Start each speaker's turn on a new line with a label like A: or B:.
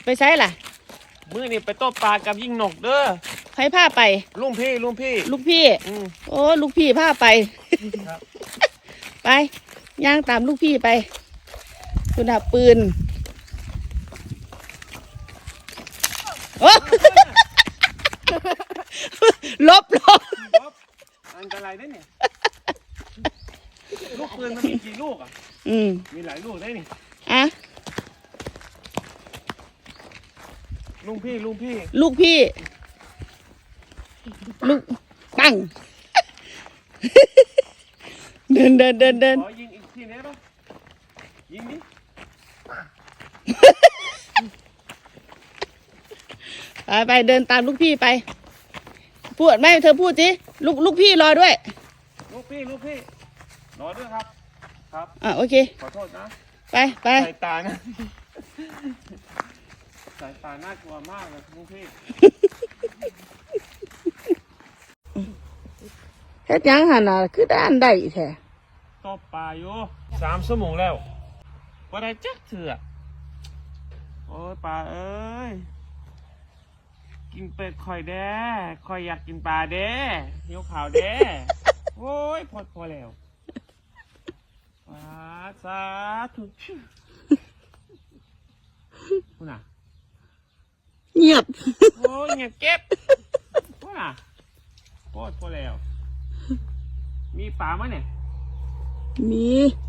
A: ใช้ล่ะ
B: มื้อนี่ไปตบปลากับยิงนกเด้อ
A: ใครพาไป
B: ลุงพี่
A: ลูกพี่โอ้ลูกพี่พาไปไปย่างตามลูกพี่ไปคุณหาปืนโอ้ลบ
B: อันตรายได้เนี่ยลูกปืนมันมีกี่ลูกอ่ะมีหลายลูกได้นี่
A: อะ
B: ลุงพี่
A: ลูกปังเดิน
B: ขอยิงอีกทีนี้ป่ะยิงดิ
A: ไปเดินตามลูกพี่ไปพูดไหมเธอพูดสิลูกพี่รอด้วย
B: ลูกพี่รอด้วยครับ
A: โอเค
B: ขอโทษนะ
A: ไป
B: สายตานะสายตาน่ากลัวมากเลยลูกพี่
A: เฮ็ดยังหันน่ะคือด้านได้แท้
B: ตบปลาอยู่3 ชั่วโมงแล้วบ่ได้จักเถื่อโอ้ยปลาเอ้ยกินเป็ดข่อยแด้ข่อยอยากกินปลาแด้หิวข่าวแด้โอ้ยพอแล้วสาธุคุณน่ะ
A: เงียบ
B: โอ้ยเงียบเก็บคุณน่ะพอแล้วมีปลาไหมเนี่ย
A: มี